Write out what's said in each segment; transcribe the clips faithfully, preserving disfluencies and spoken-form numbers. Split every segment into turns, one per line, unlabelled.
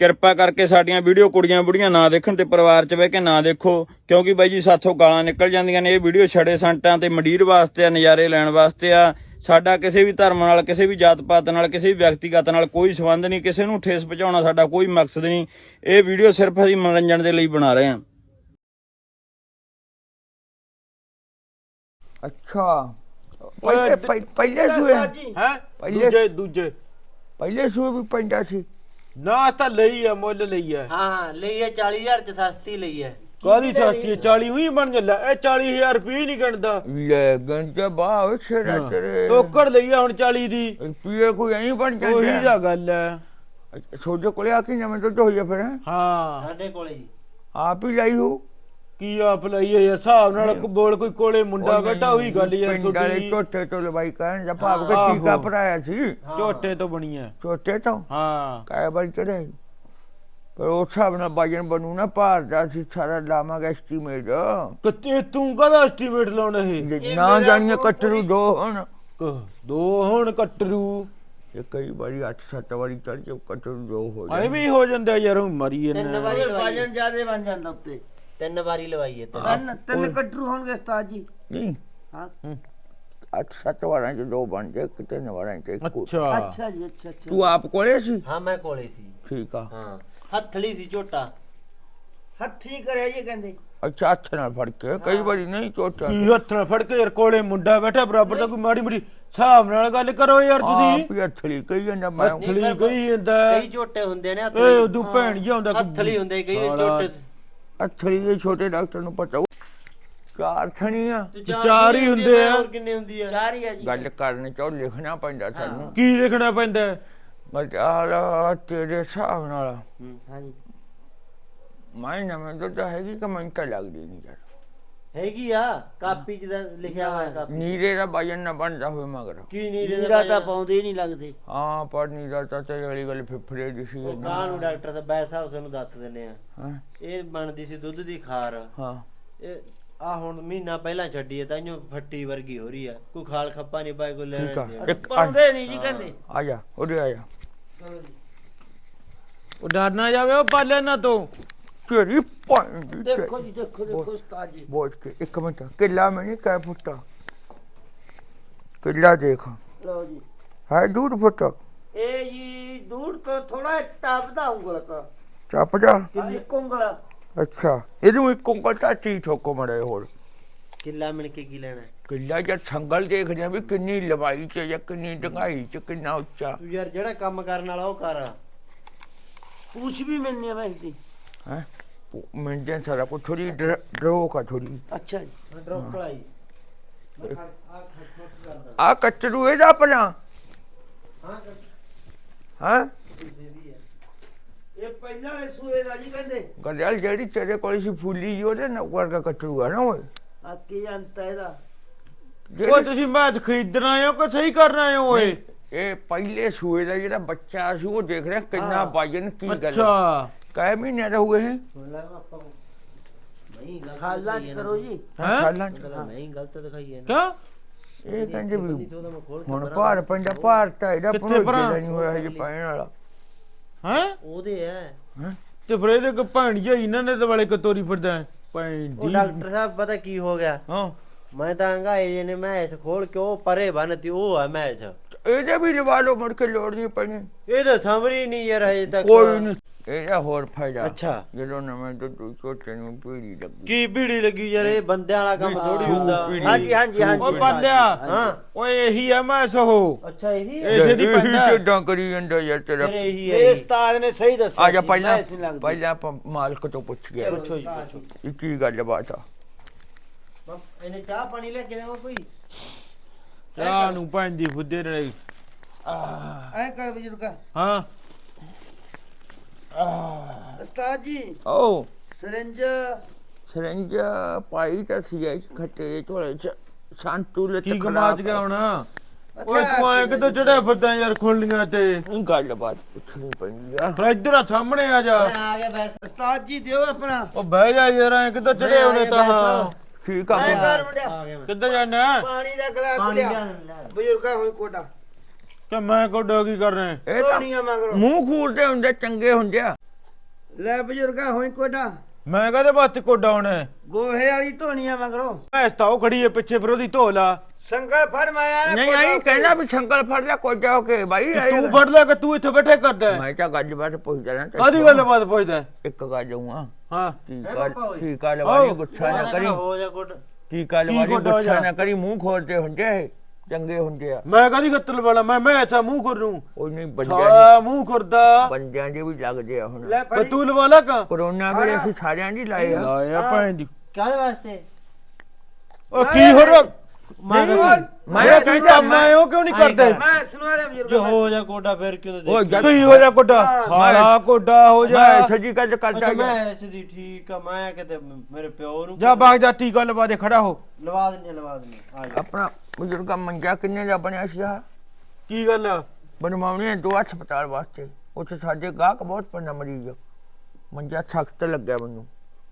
ਕਿਰਪਾ ਕਰਕੇ ਸਾਡੀਆਂ ਵੀਡੀਓ ਕੁੜੀਆਂ ਬੁੜੀਆਂ ਨਾ ਦੇਖਣ ਤੇ ਪਰਿਵਾਰ 'ਚ ਬਹਿ ਕੇ ਨਾ ਦੇਖੋ, ਕਿਉਂਕਿ ਬਾਈ ਜੀ ਸਾਥੋਂ ਗਾਲਾਂ ਨਿਕਲ ਜਾਂਦੀਆਂ ਨੇ। ਇਹ ਵੀਡੀਓ ਛੜੇ ਸੰਟਾਂ ਤੇ ਮੰਡੀਰ ਵਾਸਤੇ ਆ, ਨਜ਼ਾਰੇ ਲੈਣ ਵਾਸਤੇ ਆ। ਸਾਡਾ ਕਿਸੇ ਵੀ ਧਰਮ ਨਾਲ, ਕਿਸੇ ਵੀ ਜਾਤ ਪਾਤ ਨਾਲ, ਕਿਸੇ ਵੀ ਵਿਅਕਤੀਗਤ ਨਾਲ ਕੋਈ ਸੰਬੰਧ ਨਹੀਂ। ਕਿਸੇ ਨੂੰ ਠੇਸ ਪਹੁੰਚਾਉਣਾ ਸਾਡਾ ਕੋਈ ਮਕਸਦ ਨਹੀਂ। ਇਹ ਵੀਡੀਓ ਸਿਰਫ ਅਸੀਂ ਮਨੋਰੰਜਨ ਦੇ ਲਈ ਬਣਾ ਰਹੇ ਹਾਂ।
ਅੱਛਾ ਪਹਿਲੇ ਪਹਿਲੇ ਸੂਏ
ਹੈ ਦੂਜੇ ਦੂਜੇ
ਪਹਿਲੇ ਸੂਏ ਵੀ ਪੈਂਦਾ ਸੀ
ਨਾ। ਅਸ ਤਾਂ ਲਈ ਆ, ਮੁੱਲ ਲਈ ਆ।
ਹਾਂ ਲਈ ਹੈ ਚਾਲੀ ਹਜ਼ਾਰ ਚ ਸਸਤੀ ਲਈ ਹੈ।
ਕਾਹਦੀ ਚਾਚੀ ਚਾਲੀ ਹੀ ਬਣ ਜਾਂਦਾ। ਇਹ ਚਾਲੀ ਹਜ਼ਾਰ ਰੁਪਏ ਨਹੀਂ ਗਣਦਾ।
ਲੈ ਗੰਜਾ ਬਾਹ ਛੇੜਾ ਤੇਰੇ
ਟੋਕੜ ਲਈ ਆ ਹੁਣ ਚਾਲੀ ਦੀ।
ਰੁਪਏ ਕੋਈ ਐਂ ਬਣ ਜਾਂਦਾ।
ਉਹੀ ਦਾ ਗੱਲ ਹੈ।
ਛੋਟੇ ਕੋਲੇ ਆ ਕੇ ਨਵੇਂ ਦੁੱਧ ਹੋਈਆ ਫਿਰ
ਹਾਂ
ਸਾਡੇ ਕੋਲੇ ਜੀ
ਆਪ ਹੀ ਲਈ ਹੋ
ਕੀ ਆਪ ਲਈ ਯਾਰ ਹਿਸਾਬ ਨਾਲ ਬੋਲ। ਕੋਈ ਕੋਲੇ ਮੁੰਡਾ ਬੈਠਾ ਉਹੀ ਗੱਲ ਯਾਰ
ਤੁਹਾਡੀ ਝੋਟੇ ਤੋਂ ਲਵਾਈ ਕਹਿਣ ਜਾਂ ਭਾਵ ਕੇ ਟੀਕਾ ਭਰਾਇਆ ਸੀ।
ਝੋਟੇ ਤੋਂ ਬਣੀ ਹੈ
ਝੋਟੇ ਤੋਂ
ਹਾਂ।
ਕਾਇ ਵਾਰੀ ਚੜੇ ਪਰ ਉਸ ਹਿਸਾਬ ਨਾਲ ਬਾਜਣ ਬਣੂ ਨਾ ਭਾਰ ਦਾ ਸੀ ਸਾਰਾ ਲਾਵਾਂਗਾ ਐਸਟੀਮੇਟ।
ਕਿਤੇ ਤੂੰ ਕਦਾ ਐਸਟੀਮੇਟ ਲਾਉਣਾ ਇਹ
ਨਾ ਜਾਣੀਏ ਕਟਰੂ ਦੋ ਹੁਣ
ਦੋ ਹੁਣ ਕਟਰੂ
ਇਹ ਕਈ ਵਾਰੀ ਅੱਠ ਸੱਤ ਵਾਰੀ ਚੜ ਕੇ ਕਟਰੂ ਦੋ ਹੋ
ਐਵੇਂ ਵੀ ਹੋ ਜਾਂਦਾ ਯਾਰ। ਹੁਣ ਮਰੀ
ਤਿੰਨ
ਇਹਨੇ
ਵਾਰੀ ਲਵਾਈ ਹੈ।
ਵਜਨ ਜ਼ਿਆਦੇ ਬਣ ਜਾਂਦਾ ਉੱਤੇ।
ਤਿੰਨ ਵਾਰੀ ਲਵਾਈ ਹੈ ਤੇ
ਤਿੰਨ ਤਿੰਨ ਕਟਰੂ ਹੋਣਗੇ ਉਸਤਾਦ ਜੀ।
ਨਹੀਂ
ਹਾਂ
ਅੱਠ ਸੱਤ ਵਾਰਾਂ ਚ ਦੋ ਬਣ ਜਾਏ ਕਿਤੇ ਤਿੰਨ ਵਾਰਾਂ ਚ ਇੱਕ।
ਅੱਛਾ
ਅੱਛਾ ਜੀ ਅੱਛਾ ਅੱਛਾ।
ਤੂੰ ਆਪ ਕੋਲੇ ਸੀ?
ਹਾਂ ਮੈਂ ਕੋਲੇ ਸੀ।
ਠੀਕ ਆ।
ਹਾਂ ਹੱਥਲੀ ਸੀ ਝੋਟਾ।
ਹੱਥੀ ਕਰਿਆ ਜੀ ਕਹਿੰਦੇ।
ਅੱਛਾ ਹੱਥ ਨਾਲ ਫੜ ਕੇ ਕਈ ਵਾਰੀ ਨਹੀਂ ਚੋਟਾ
ਕੀ ਹੱਥ ਨਾਲ ਫੜ ਕੇ ਯਾਰ ਕੋਲੇ ਮੁੰਡਾ ਬੈਠਾ ਬਰਾਬਰ ਦਾ। ਕੋਈ ਮਾੜੀ ਮੋਟੀ ਹਿਸਾਬ ਨਾਲ ਗੱਲ ਕਰੋ ਯਾਰ ਤੁਸੀਂ।
ਆਪ ਹੀ ਹੱਥਲੀ ਕਹੀ ਜਾਂਦਾ ਮੈਂ
ਹੱਥਲੀ ਕਹੀ ਜਾਂਦਾ।
ਕਈ ਝੋਟੇ ਹੁੰਦੇ ਨੇ
ਏ ਉਦੋਂ ਭੈਣ ਜੀ ਆਉਂਦਾ
ਹੱਥਲੀ ਹੁੰਦੇ ਕਈ ਝੋਟੇ।
ਹੱਥਲੀ ਦੇ ਛੋਟੇ ਡਾਕਟਰ ਨੂੰ ਪਤਾ ਚਾਰ ਥਣੀਆਂ
ਚਾਰ ਹੀ ਹੁੰਦੇ ਆ।
ਹੋਰ ਕਿੰਨੇ ਹੁੰਦੀ ਆ?
ਚਾਰ ਹੀ ਆ ਜੀ।
ਗੱਲ ਕਰਨ ਚੋਂ ਲਿਖਣਾ ਪੈਂਦਾ ਸਾਨੂੰ।
ਕੀ ਲਿਖਣਾ ਪੈਂਦਾ?
ਮਜਾਲਾ ਤੇਰੇ ਹਿਸਾਬ ਨਾਲ
ਹਾਂ ਜੀ
ਮੈਂ ਨਵੇਂ ਦੁੱਧ ਹੈਗੀ ਕਿ ਮੈਨੂੰ ਤਾਂ ਲੱਗਦੀ ਨਹੀਂ ਯਾਰ।
ਹੈਗੀ ਆ ਕਾਪੀ ਚ ਤਾਂ ਲਿਖਿਆ ਹੋਇਆ ਕਾਪੀ।
ਨੀਰੇ ਦਾ ਵਜਨ ਨਾ ਬਣਦਾ ਹੋਵੇ ਮਗਰ
ਕੀ ਨੀਰੇ ਦਾ
ਨੀਰਾ ਤਾਂ ਪਾਉਂਦੇ ਹੀ ਨਹੀਂ ਲੱਗਦੇ।
ਹਾਂ ਪਰ ਨੀਰਾ ਤਾਂ ਤੇ ਵਾਲੀ ਗੱਲ ਫਿਫੜੇ ਦੀ ਸੀ।
ਉਹ ਕਾਹ ਨੂੰ ਡਾਕਟਰ ਦਾ ਬੈਸ ਹਾਊਸ ਨੂੰ ਦੱਸ ਦਿੰਦੇ ਆ।
ਹਾਂ
ਇਹ ਬਣਦੀ ਸੀ ਦੁੱਧ ਦੀ ਖਾਰ।
ਹਾਂ
ਇਹ ਆ ਹੁਣ ਮਹੀਨਾ ਪਹਿਲਾਂ ਛੱਡੀ ਹੈ ਤਾਂ ਇਹਨੂੰ ਫੱਟੀ ਵਰਗੀ ਹੋ ਰਹੀ ਆ। ਕੋਈ ਖਾਲ ਖੱਪਾ ਨਹੀਂ ਪਾਏ ਕੋਈ ਲੈਣ ਦੇ।
ਇੱਕ
ਪਾਉਂਦੇ ਨਹੀਂ ਜੀ ਕਹਿੰਦੇ।
ਆ ਜਾ ਉਰੇ ਆ ਜਾ।
ਉਹ ਡਰ ਨਾ ਜਾਵੇ ਉਹ ਪਾਲੇ ਨਾ ਤੋਂ।
ਤੇਰੀ ਪਾਣੀ
ਦੇਖੋ ਜੀ ਦੇਖੋ ਦੇਖੋ ਉਸਤਾਦ ਜੀ।
ਬੋਝ ਕੇ ਇੱਕ ਮਿੰਟ ਕਿੱਲਾ ਮੈਂ ਨਹੀਂ ਕਹਿ ਫੁੱਟਾ ਕਿੱਲਾ ਦੇਖ
ਲਓ ਜੀ
ਹੈ ਡੂਢ ਫੁੱਟ
ਇਹ ਜੀ ਦੂਰ ਤੋਂ ਥੋੜਾ ਟੱਪਦਾ ਉਂਗਲ ਤਾਂ।
ਚੱਪ ਜਾ
ਇੱਕ ਉਂਗਲ।
ਅੱਛਾ ਇਹਨੂੰ ਇੱਕ ਉਂਗਲ ਟਾਟੀ ਠੋਕੋ ਮੜੇ ਹੋਰ
ਕਿੱਲਾ ਮਿਲ ਕੇ ਕੀ ਲੈਣਾ?
ਕਿੱਲਾ ਜਾਂ ਸੰਗਲ ਦੇਖਦੇ ਆ ਵੀ ਕਿੰਨੀ ਲੰਬਾਈ ਚ ਜਾਂ ਕਿੰਨੀ ਡੂੰਘਾਈ ਚ ਕਿੰਨਾ ਉੱਚਾ।
ਤੂੰ ਯਾਰ ਜਿਹੜਾ ਕੰਮ ਕਰਨ ਵਾਲਾ ਉਹ ਕਰ।
ਪੂਛ ਵੀ ਮਿਲਣੀ ਹੈ ਵੈਸੇ ਦੀ।
ਹੈ ਮਿੰਟਾਂ ਸਾਰਾ ਕੁਝ ਥੋੜੀ ਡਰੋਕ ਆ ਥੋੜੀ।
ਅੱਛਾ ਜੀ
ਡਰੋਪ ਕਲਾਈ
ਆ ਕੱਟਰੂ ਇਹਦਾ ਆਪਣਾ ਹਾਂ
ਇਹ ਪਹਿਲਾਂ ਵਾਲੇ ਸੂਏ ਦਾ ਜੀ ਕਹਿੰਦੇ।
ਗੜਿਆਲ ਜਿਹੜੀ ਤੇਰੇ ਕੋਲ ਸੀ ਫੁੱਲੀ ਜੀ ਉਹਦੇ ਨਾਲ ਵਰਗਾ ਕੱਟਰੂ ਆ ਨਾ ਓਏ।
ਆ ਕੀ ਅੰਤਾ ਇਹਦਾ।
ਉਹ ਤੁਸੀਂ ਮੈਚ ਖਰੀਦਣ ਆਏ ਹੋ ਕਿ ਸਹੀ ਕਰਨ ਆਏ ਹੋ ਓਏ?
ਇਹ ਪਹਿਲੇ ਸੂਏ ਦਾ ਜਿਹੜਾ ਬੱਚਾ ਸੀ ਉਹ ਦੇਖ ਰਿਹਾ ਕਿੰਨਾ ਵਜਨ ਕੀ ਗੱਲ।
ਅੱਛਾ
ਕਈ ਮਹੀਨੇ ਦਾ ਹੋਏ ਹੈ?
ਸਾਲਾਂ ਚ ਕਰੋ ਜੀ।
ਹੈਂ?
ਸਾਲਾਂ ਚ।
ਨਹੀਂ ਗਲਤ ਦਿਖਾਈ ਹੈ
ਕਿਉਂ?
ਇਹ ਕਹਿੰਦੇ ਵੀ ਹੁਣ ਭਾਰ ਪੈਂਦਾ ਭਾਰ ਤਾਂ ਇਹਦਾ
ਕਿੱਥੇ
ਭਰੋਜੇ
ਭਰਾ?
ਦਾ ਨਹੀਂ ਹੋਇਆ ਹਜੇ ਪੈਣ ਵਾਲਾ।
ਹੈ
ਉਹਦੇ ਆ।
ਹੈਂ?
ਤੇ ਫਿਰ ਇਹਦੇ ਕੋ ਭੈਣ ਜੀ ਇਹਨਾਂ ਨੇ ਤੇ ਵਾਲੇ ਕਤੋਰੀ ਫਿਰਦਾ ਹੈ ਭੈਣ
ਉਹ
ਦੀ।
ਡਾਕਟਰ ਸਾਹਿਬ ਪਤਾ ਕੀ ਹੋ ਗਿਆ?
ਹਾਂ
ਮੈਂ ਤਾਂ ਹੰਗਾਏ ਜੇ ਨੇ ਮੈਚ ਖੋਲ ਕੇ ਉਹ ਪਰੇ ਬੰਨਤੀ। ਉਹ ਆ ਮੈਚ।
ਇਹਦੇ ਵੀ ਲਵਾ ਲਓ ਮੁੜ ਕੇ ਲੋੜ ਨਹੀਂ ਪੈਣੀ।
ਇਹ ਤਾਂ ਸਮਰੀ ਨਹੀਂ ਯਾਰ ਹਜੇ ਤੱਕ।
ਕੋਈ ਨਹੀਂ ਇਹਦਾ ਹੋਰ ਫਾਇਦਾ
ਅੱਛਾ
ਜਦੋਂ ਨਵੇਂ ਦੁੱਧ ਛੋਟੇ ਨੂੰ ਪੀੜੀ ਲੱਗੀ।
ਕੀ ਭੀੜੀ ਲੱਗੀ ਯਾਰ? ਇਹ ਬੰਦਿਆਂ ਵਾਲਾ ਕੰਮ ਥੋੜੀ ਹੁੰਦਾ।
ਹਾਂਜੀ ਹਾਂਜੀ ਹਾਂਜੀ।
ਉਹ ਪਾਲਿਆ
ਹਾਂ
ਓਏ ਇਹੀ ਆ ਮੈਂ ਸੋ
ਅੱਛਾ ਇਹੀ ਹੈ।
ਇਸੇ ਦੀ ਪੈਂਦਾ।
ਕਿੱਦਾਂ ਕਰੀ ਜਾਂਦਾ ਯਾਰ ਤੇਰਾ।
ਫਿਰ ਇਹੀ ਹੈ
ਇਹ
ਜੀ।
ਉਸਤਾਦ ਨੇ ਸਹੀ ਦੱਸਿਆ।
ਆ ਜਾ
ਸੀ,
ਪਹਿਲਾਂ
ਮੈਂ ਇਸ ਨਹੀਂ ਲੱਗਦੀ।
ਪਹਿਲਾਂ ਆਪਾਂ ਮਾਲਕ ਤੋਂ ਪੁੱਛ ਗਿਆ
ਪੁੱਛੋ ਜੀ ਪੁੱਛੋ।
ਇਹ ਕੀ ਗੱਲ ਬਾਤ ਆ।
ਇਹਨੇ ਚਾਹ ਪਾਣੀ ਲੈ ਕੇ ਦੇਵਾਂ ਕੋਈ?
ਚਾਹ ਨੂੰ ਭੈਣ ਦੀ ਫੁੱਦੇ ਨੇ।
ਐ ਕਰ ਬਜ਼ੁਰਗਾ।
ਹਾਂ
ਉਸਤਾਦ ਜੀ
ਓ
ਸਿਰੰਜ
ਸਰੰਜ ਪਾਈ ਤਾਂ ਸੀ ਇਸ ਖੱਟੇ ਦੇ ਝੋਲੇ ਚ ਸੰਤੂ ਲੈ
ਕੀ ਗਮਾਜ ਗਿਆ ਹੁਣ? ਓਏ ਤੂੰ ਆਏ ਕਿੱਥੇ ਚੜਿਆ ਫਿਰਦਾ ਯਾਰ ਖੁੱਲੀਆਂ ਤੇ?
ਗੱਲ ਬਾਤ ਪੁੱਛਣੀ ਪੈਂਦੀ ਆ।
ਫਿਰ ਇੱਧਰ ਆ ਸਾਹਮਣੇ ਆ ਜਾ।
ਮੈਂ ਆ ਗਿਆ ਬੈਸ।
ਉਸਤਾਦ ਜੀ ਦਿਓ ਆਪਣਾ।
ਉਹ ਬਹਿ ਜਾ ਯਾਰ ਐ ਕਿੱਥੇ ਚੜੇ ਉਹਨੇ ਤਾਂ। ਹਾਂ
ਠੀਕ ਆ
ਐ
ਫਿਰ।
ਕਰ ਮੁੰਡਿਆ
ਆ ਗਿਆ ਮੈਂ।
ਕਿੱਧਰ ਜਾਣਾ?
ਪਾਣੀ ਦਾ ਗਲਾਸ
ਪਾਣੀ
ਲਿਆ।
ਲਿਆ ਲੈ।
ਬਜ਼ੁਰਗਾ ਹੋਈ ਕੋਟਾ।
ਕਿ ਮੈਂ ਕੋਡਾ ਕੀ ਕਰ ਰਿਹਾ?
ਇਹ ਤਾਂ
ਪਾਣੀਆਂ ਮੰਗ ਰੋ।
ਮੂੰਹ ਖੂਰਦੇ ਹੁੰਦੇ ਚੰਗੇ ਹੁੰਦੇ ਆ।
ਲੈ ਬਜ਼ੁਰਗਾ ਹੋਈ ਕੋਡਾ
ਮੈਂ ਕਹਦੇ ਵਾਸਤੇ ਕੋਡਾ ਹੋਣਾ ਹੈ?
ਗੋਹੇ ਵਾਲੀ ਧੋਣੀਆਂ ਮਗਰੋਂ
ਮੈਂ ਤਾਂ ਉਹ ਖੜੀ ਹੈ ਪਿੱਛੇ ਫਿਰ ਉਹਦੀ ਧੋ ਲਾ।
ਸੰਗਲ ਫੜ ਮਾਇਆ ਨੇ
ਨਹੀਂ ਆਈ ਕਹਿੰਦਾ ਵੀ ਸੰਗਲ ਫੜ ਲਿਆ ਕੋਜਾ ਹੋ ਕੇ ਬਾਈ
ਤੇ ਤੂੰ ਫੜ ਲੈ ਕਿ ਤੂੰ ਇੱਥੇ ਬੈਠੇ ਕਰਦਾ ਹੈ?
ਮੈਂ ਤਾਂ ਗੱਜ ਬਾਤ ਪੁੱਛਦਾ ਨਾ
ਕਾਦੀ ਗੱਲ ਬਾਤ ਪੁੱਛਦਾ ਹੈ?
ਇੱਕ ਗੱਲ ਜਾਊਂਗਾ
ਹਾਂ
ਟੀਕਾ ਟੀਕਾ ਲਵਾਈ ਗੁੱਛਾ ਨਾ ਕਰੀ
ਹੋ ਜਾ ਗੁੱਟ
ਟੀਕਾ ਲਵਾਈ
ਗੁੱਟ ਹੋ
ਗੁੱਛਾ
ਜਾ?
ਨਾ ਕਰੀ ਮੂੰਹ ਖੋਲਦੇ ਹੁੰਦੇ ਇਹ, ਚੰਗੇ ਹੁੰਦੇ ਆ
ਮੈਂ ਕਦੀ ਗੱਤਲ ਵਾਲਾ ਮੈਂ ਮੈਂ ਐਸਾ ਮੂੰਹ ਕਰ ਨੂੰ
ਉਹ ਨਹੀਂ ਬੰਦਿਆਂ
ਸਾਲਾ ਮੂੰਹ ਕਰਦਾ
ਬੰਦਿਆਂ ਦੇ ਵੀ ਲੱਗਦੇ ਆ ਹੁਣ
ਲੈ
ਤੇ
ਫੜੀ
ਤੂੰ ਲਵਾ ਲਾ ਕਾ
ਕਰੋਨਾ ਵੇਲੇ ਅਸੀਂ ਸਾਰਿਆਂ ਦੀ ਲਾਏ ਆ
ਲਾਇਆ ਭੈਣ ਦੀ
ਕਾਹਦੇ ਵਾਸਤੇ
ਉਹ ਕੀ ਹੋ ਰਿਹਾ
ਮੈਂ
ਮੈਂ ਕੀ ਕੰਮ ਆਏ ਹੋ ਕਿਉਂ ਨਹੀਂ ਕਰਦੇ?
ਮੈਂ ਸੁਣਵਾਰੇ ਬਜ਼ੁਰਗਾ
ਜੋ ਹੋ ਜਾ ਗੋਡਾ ਫੇਰ ਕਿਉਂ
ਉਹ
ਦੇਖ
ਜਦ
ਕੀ ਹੋ ਜਾ ਕੋਡਾ ਸਾਲਾ ਕੋਡਾ ਹੋ ਜਾ
ਮੈਂ ਸੱਜੀ ਗੱਲ ਕਰਦਾ
ਅੱਛਾ
ਗਿਆ।
ਮੈਂ ਐਸੀ ਠੀਕ ਆ ਮੈਂ ਕਿਤੇ ਮੇਰੇ ਪਿਓ ਨੂੰ
ਜਾ ਬਾਗ ਜਾ ਟੀਕਾ ਲਵਾ ਦੇ ਖੜਾ ਹੋ।
ਲਵਾ ਦਿੰਦੇ ਲਵਾ ਦਿੰਦੇ ਆ ਜਾ
ਆਪਣਾ ਬਜ਼ੁਰਗਾ ਮੰਜਾ ਕਿੰਨੇ ਦਾ ਬਣਿਆ ਸੀ ਆ
ਕੀ ਗੱਲ ਆ?
ਬਣਵਾਉਣੇ ਦੋ ਹਸਪਤਾਲ ਵਾਸਤੇ ਉੱਥੇ ਸਾਡੇ ਗਾਹਕ ਬਹੁਤ ਪੰਨਾ ਮਰੀਜ਼ ਆ। ਮੰਜਾ ਸਖਤ ਲੱਗਿਆ ਮੈਨੂੰ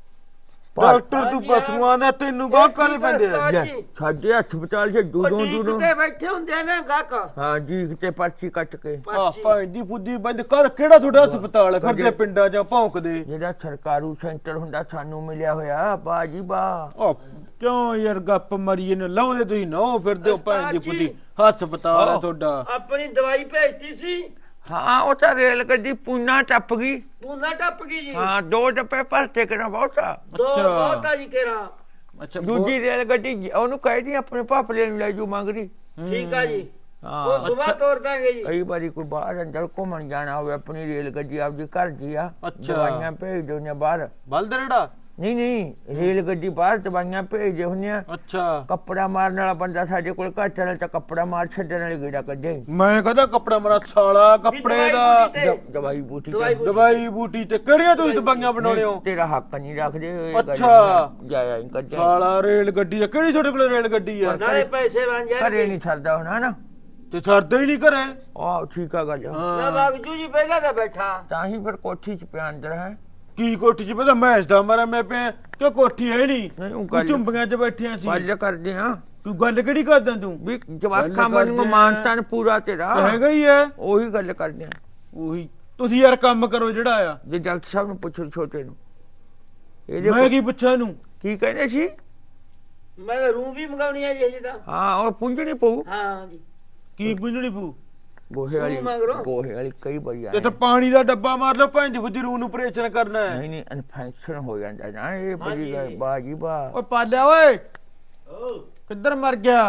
ਡਾਕਟਰ ਤੂੰ ਪਸ਼ੂਆਂ ਦਾ ਤੈਨੂੰ ਗਾਹ ਕਾਹਦੇ ਪੈਂਦੇ ਆ?
ਲੈ, ਸਾਡੇ ਹਸਪਤਾਲ 'ਚ ਦੂਰੋਂ ਦੂਰੋਂ
ਤੇ ਬੈਠੇ ਹੁੰਦੇ ਨੇ ਗਾਕ
ਹਾਂ ਜੀ ਤੇ ਪਰਚੀ ਕੱਟ ਕੇ
ਆ ਭੈਣ ਦੀ ਫੁੱਦੀ ਬੰਦ ਕਰ ਕਿਹੜਾ ਤੁਹਾਡਾ ਹਸਪਤਾਲ ਫਿਰਦੇ ਪਿੰਡਾਂ ਜਾਂ ਭੌਂਕਦੇ?
ਜਿਹੜਾ ਸਰਕਾਰੂ ਸੈਂਟਰ ਹੁੰਦਾ ਸਾਨੂੰ ਮਿਲਿਆ ਹੋਇਆ ਬਾਜੀ ਬਾ
ਆ ਕਿਉਂ ਯਾਰ ਗੱਪ ਮਰੀਏ ਨੇ ਲਾਉਂਦੇ ਤੁਸੀਂ ਨਾ ਫਿਰਦੇ ਹੋ ਭੈਣ ਦੀ ਫੁੱਦੀ ਹਸਪਤਾਲ ਆ ਤੁਹਾਡਾ।
ਆਪਣੀ ਦਵਾਈ ਭੇਜਤੀ ਸੀ
ਹਾਂ ਉਹ ਤਾਂ ਰੇਲ ਗੱਡੀ ਪੂਨਾ ਟੱਪ ਗਈ
ਪੂਨਾ ਟੱਪ ਗਈ ਜੀ
ਹਾਂ ਦੋ ਡੱਬੇ ਭਰਤੇ ਕਿਹੜਾ ਬਹੁਤਾ
ਦੋ
ਅੱਛਾ।
ਬਹੁਤਾ ਜੀ ਕੇਰਾ
ਅੱਛਾ
ਦੂਜੀ ਰੇਲ ਗੱਡੀ ਉਹਨੂੰ ਕਹਿ ਦੀ ਆਪਣੇ ਭਾਪਲੇ ਨੂੰ ਲੈ ਜੂ ਮੰਗ ਰਹੀ
ਠੀਕ ਆ ਜੀ
ਹਾਂ
ਉਹ ਸਵੇਰ ਤੋੜ ਦਾਂਗੇ ਜੀ
ਕਈ ਵਾਰੀ ਕੋਈ ਬਾਹਰ ਅੰਦਰ ਘੁੰਮਣ ਜਾਣਾ ਹੋਵੇ ਆਪਣੀ ਰੇਲ ਗੱਡੀ ਆਪਦੀ ਘਰ ਦੀ ਆ
ਅੱਛਾ।
ਦਵਾਈਆਂ ਭੇਜ ਦਿੰਦੇ ਬਾਹਰ
ਬਲਦਰੜਾ
ਨਹੀਂ ਨਹੀਂ ਰੇਲ ਗੱਡੀ ਬਾਹਰ ਦਵਾਈਆਂ ਭੇਜਦੇ ਹੁੰਦੇ ਆ
ਅੱਛਾ
ਕੱਪੜਾ ਮਾਰਨ ਵਾਲਾ ਬੰਦਾ ਸਾਡੇ ਕੋਲ ਘਰ ਚੱਲ ਤਾਂ ਕੱਪੜਾ ਮਾਰ ਛੱਡਣ ਵਾਲੀ ਗੇੜਾ ਕੱਢੇ
ਮੈਂ ਕਹਦਾ ਕੱਪੜਾ ਮਰਾ ਸਾਲਾ ਕੱਪੜੇ ਦਾ
ਦ- ਦਵਾਈ ਬੂਟੀ
ਦਵਾਈ
ਤੇ-
ਦਵਾਈ ਬੂਟੀ ਤੇ ਕਿਹੜੀਆਂ ਤੁਸੀਂ ਦਵਾਈਆਂ ਬਣਾਉਣੇ ਹੋ?
ਤੇਰਾ ਹੱਕ ਨਹੀਂ ਰੱਖਦੇ ਹੋਏ
ਅੱਛਾ।
ਜਾਇਆ ਹੀ ਕੱਢਿਆ
ਸਾਲਾ ਰੇਲ ਗੱਡੀ ਆ ਕਿਹੜੀ ਤੁਹਾਡੇ ਕੋਲ ਰੇਲ ਗੱਡੀ ਆ?
ਨਾਲੇ ਪੈਸੇ ਬਣ
ਘਰੇ
ਜਾਣਗੇ
ਨਹੀਂ ਸਰਦਾ ਹੋਣਾ ਨਾ
ਤੇ ਸਰਦਾ ਹੀ ਨਹੀਂ ਘਰੇ।
ਆਹ ਠੀਕ ਆ ਗੱਲ
ਨਾ
ਹਾਂ
ਬਾਗਜੂ ਜੀ ਪਹਿਲਾਂ ਤਾਂ ਬੈਠਾ
ਤਾਂ ਹੀ ਫਿਰ ਕੋਠੀ ਚ ਪਿਆ ਅੰਦਰ ਹੈ
ਕੀ ਕੋਠੀ ਚ ਪਤਾ ਮੈਂ ਦਾ ਮਰਾ ਮੈਂ ਪਿਆ ਕਿ ਕੋਠੀ ਹੈ ਨਹੀਂ
ਨਹੀਂ ਉਹ
ਤੂੰ
ਗੱਲ
ਝੁੰਬੀਆਂ ਚ ਬੈਠੀਆਂ ਸੀ।
ਗੱਲ ਕਰਦੇ ਆ
ਤੂੰ ਗੱਲ ਕਿਹੜੀ ਕਰਦਾ ਤੂੰ?
ਵੀ
ਗੱਲ
ਜਵਾਕਾਂ
ਕਰਦੇ
ਵਾਂਗੂ
ਆ।
ਮਾਨਤਾਨ ਪੂਰਾ ਤੇਰਾ
ਤਾਂ ਹੈਗਾ ਹੀ ਹੈ
ਉਹੀ ਗੱਲ ਕਰਦੇ ਆ
ਉਹੀ ਤੁਸੀਂ ਯਾਰ ਕੰਮ ਕਰੋ ਜਿਹੜਾ ਆ।
ਜੇ ਡਾਕਟਰ ਸਾਹਿਬ ਨੂੰ ਪੁੱਛੋ ਛੋਟੇ ਨੂੰ
ਮੈਂ
ਇਹਦੇ
ਕੀ ਪੁੱਛਾਂ ਇਹਨੂੰ?
ਕੀ ਕਹਿੰਦੇ ਸੀ
ਮੈਂ ਤਾਂ ਰੂਹ ਵੀ ਮੰਗਾਉਣੀ ਆ ਜੀ ਅਜੇ ਤਾਂ
ਹਾਂ ਉਹ ਪੁੰਜਣੀ ਪਊ
ਹਾਂ ਜੀ
ਕੀ ਪੁੱਛਣੀ ਪੂ?
ਗੋਹੇ ਵਾਲੀ
ਸੂਹ ਮੰਗ ਲਓ।
ਗੋਹੇ ਵਾਲੀ ਕਈ ਵਾਰੀ
ਤੇ
ਆਏ
ਤਾਂ ਪਾਣੀ ਦਾ ਡੱਬਾ ਮਾਰ ਲਓ ਭੈਣ ਦੀ ਫੁੱਦੀ ਰੂਹ ਨੂੰ ਆਪਰੇਸ਼ਨ ਕਰਨਾ ਹੈ।
ਨਹੀਂ ਨਹੀਂ ਇਨਫੈਕਸ਼ਨ ਹੋ ਜਾਂਦਾ ਨਾ ਇਹ ਬੜੀ
ਹਾਂਜੀ।
ਗੱਲ ਬਾਜੀ ਬਾ
ਓਏ ਪਾਲਿਆ ਓਏ ਕਿੱਧਰ ਮਰ ਗਿਆ?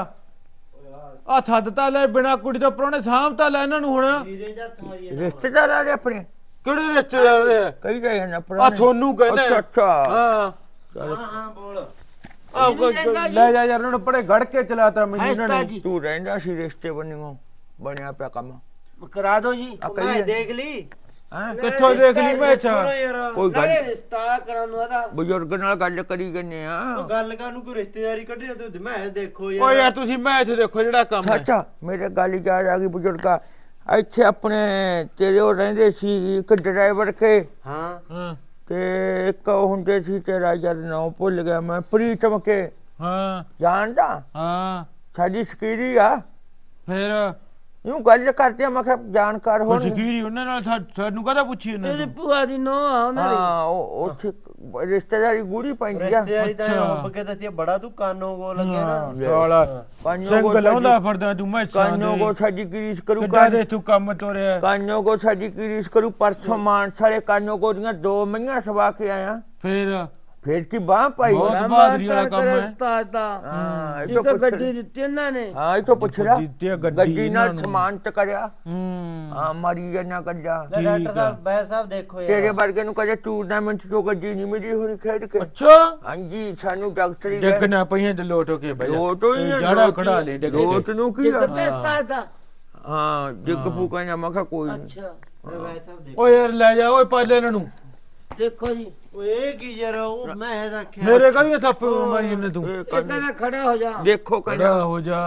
ਆ ਥੱਦਤਾ ਲੈ ਬਿਨਾ ਕੁੜੀ ਤੋਂ ਪਰੋਣੇ ਸਾਂਭਤਾ ਲੈ ਇਹਨਾਂ ਨੂੰ ਹੁਣ।
ਵੀਰੇ ਜੱਤ ਮਾਰੀਏ
ਰਿਸ਼ਤੇਦਾਰ ਆ ਰਹੇ ਆਪਣੇ
ਕਿਹੜੇ ਰਿਸ਼ਤੇਦਾਰ ਦੇ?
ਕਈ ਜਾਏ ਨਾ
ਆ ਤੁਹਾਨੂੰ ਕਹਿੰਦੇ
ਅੱਛਾ ਅੱਛਾ
ਹਾਂ
ਹਾਂ ਹਾਂ ਬੋਲ
ਆ ਲੈ ਜਾ ਯਾਰ ਉਹਨਾਂ ਨੂੰ ਪੜੇ ਗੜ ਕੇ ਚਲਾਤਾ ਮੈਨੂੰ ਇਹਨਾਂ
ਹਸਤਾ
ਨੇ।
ਜੀ
ਤੂੰ ਰਹਿੰਦਾ ਸੀ ਰਿਸ਼ਤੇ ਬਣਿਓ ਬਣਿਆ ਪਿਆ ਕੰਮ
ਕਰਾ ਦਿਓ ਜੀ
ਆ
ਮੈਂ
ਕਈ
ਦੇਖ ਲਈ
ਹਾਂ
ਕਿੱਥੋਂ ਦੇਖ ਲਈ ਮੈਂ
ਸੁਣੋ
ਅੱਛਾ
ਯਾਰ
ਕੋਈ
ਨਾਲੇ
ਗੱਲ
ਰਿਸ਼ਤਾ ਕਰਾਉਣ ਨੂੰ ਆਦਾ
ਬਜ਼ੁਰਗ ਨਾਲ ਗੱਲ ਕਰੀ ਗੰਨੇ ਆ
ਉਹ ਗੱਲ ਕਾਨੂੰ ਕੋਈ ਰਿਸ਼ਤੇਦਾਰੀ ਕੱਢੀ ਨਾ ਤੂੰ ਮੈਂ ਦੇਖੋ
ਓਏ
ਯਾਰ
ਯਾਰ ਤੁਸੀਂ ਮੈਚ ਦੇਖੋ ਜਿਹੜਾ ਕੰਮ ਹੈ।
ਅੱਛਾ ਮੇਰੇ ਗੱਲ ਯਾਦ ਆ ਗਈ ਬਜ਼ੁਰਗਾ ਇੱਥੇ ਆਪਣੇ ਤੇਰੇ ਉਹ ਰਹਿੰਦੇ ਸੀ ਇੱਕ ਡਰਾਈਵਰ ਕੇ
ਹਾਂ
ਹਾਂ
ਤੇ ਇੱਕ ਉਹ ਹੁੰਦੇ ਸੀ ਤੇਰਾ ਯਾਰ ਨਾਮ ਭੁੱਲ ਗਿਆ ਮੈਂ ਪ੍ਰੀਤਮ ਕੇ
ਹਾਂ
ਜਾਣਦਾ
ਹਾਂ
ਸਾਡੀ ਸਕੀਰੀ ਆ
ਫਿਰ
ਇਹਨੂੰ ਗੱਲ ਕਰਦੇ ਆ ਮੈਂ ਕਿਹਾ ਜਾਣਕਾਰ ਹੋਣ
ਜ਼ਕੀਰੀ ਉਹਨਾਂ ਨਾਲ ਸਾ- ਸਾਨੂੰ ਕਹਦਾ ਪੁੱਛੀ ਇਹਨਾਂ
ਇਹਦੀ
ਨੂੰ?
ਭੂਆ ਦੀ ਨੋ ਆ ਉਹਨਾਂ ਦੀ
ਹਾਂ ਉਹ ਉੱਥੇ ਰਿਸ਼ਤੇਦਾਰੀ ਗੂੜੀ ਪੈਂਦੀ ਆ
ਰਿਸ਼ਤੇਦਾਰੀ ਤਾਂ
ਅੱਛਾ।
ਹੁੱਬ ਕੇ ਦੱਸਿਆ ਬੜਾ ਤੂੰ ਕਾਨੋਂ ਗੋ ਲੱਗਿਆ ਨਾ
ਸਾਲਾ
ਕਾਨੋ
ਸਿੰਘ ਲਾਉਂਦਾ ਫਿਰਦਾ ਤੂੰ ਮੈਂ
ਕਾਨੋ ਕੋ ਸਾਡੀ ਗਰੀਸ ਕਰੂ
ਕਿੱਦਾਂ ਦੇ ਤੂੰ ਕੰਮ ਤੋਰਿਆ?
ਕਾਨੋ ਕੋ ਸਾਡੀ ਗਰੀਸ ਕਰੂ ਪਰਸੋਂ ਮਾਨਸ ਵਾਲੇ ਕਾਨੋ ਕੋ ਦੀਆਂ ਦੋ ਮਈਆਂ ਸਵਾ ਕੇ ਆਇਆ
ਫਿਰ
ਫੇਰ ਕੀ ਬਾਹ ਪਾਈ
ਬਹੁਤ ਬਹਾਦਰੀ ਵਾਲਾ ਕੰਮ ਹੈ।
ਉਸਤਾਦ ਦਾ
ਹਾਂ ਇਹ
ਇੱਕ
ਤੋਂ ਪੁੱਛ
ਗੱਡੀ ਦਿੱਤੀ ਇਹਨਾਂ ਨੇ
ਹਾਂ ਇਹ ਤੋਂ ਪੁੱਛ ਰਿਹਾ
ਦਿੱਤੀ ਆ ਗੱਡੀ
ਗੱਡੀ
ਇਹਨਾਂ
ਨਾਲ
ਨੂੰ।
ਸਮਾਨ ਚ ਕਰਿਆ
ਹੂੰ
ਹਾਂ ਮਾਰੀ ਜਨਾ ਕੱਜਾ
ਲੈ ਡਾਕਟਰ ਸਾਹਿਬ ਬੈ ਸਾਹਿਬ ਦੇਖੋ
ਤੇਰੇ
ਯਾਰ
ਵਰਗੇ ਨੂੰ ਕਦੇ ਟੂਰਨਾਮੈਂਟ ਚੋਂ ਗੱਡੀ ਨਹੀਂ ਮਿਲੀ ਹੋਣੀ ਖੇਡ ਕੇ
ਅੱਛਾ
ਹਾਂਜੀ ਸਾਨੂੰ ਡਾਕਟਰੀ
ਡਿੱਗਣਾ ਪਈਆਂ ਤੇ ਲੋਟ ਹੋ ਕੇ ਬਈ
ਲੋਟ ਹੋਈ ਆ,
ਜੜਾ
ਲੋਟ
ਖੜਾ ਲੈ ਡਿੱਗ
ਲੋਟ
ਕੇ।
ਨੂੰ ਕੀ
ਇੱਕ
ਆ?
ਪੈਸਤਾ ਦਾ
ਹਾਂ ਜਿੱਗ ਫੂਕਾ ਨਾ ਮਖਾ ਕੋਈ ਨੀ।
ਅੱਛਾ
ਲੈ ਬੈ ਸਾਹਿਬ ਦੇਖੋ
ਓਏ ਯਾਰ ਲੈ ਜਾ ਓਏ ਪਾਲੇ ਇਹਨਾਂ ਨੂੰ।
ਦੇਖੋ ਜੀ
ਓਏ ਇਹ ਕੀ ਯਾਰ ਉਹ ਮੈਂ ਰੱਖਿਆ
ਮੇਰੇ ਕਾਹਦੀਆਂ ਥੱਪੇ ਮਾਰੀ ਇਹਨੇ ਤੂੰ?
ਇਹ
ਇਹ
ਕਹਿੰਦੇ-
ਕਹਿੰਦਾ ਖੜਾ ਹੋ ਜਾ
ਦੇਖੋ ਕਹਿੰਦਾ
ਖੜਾ ਹੋ ਜਾ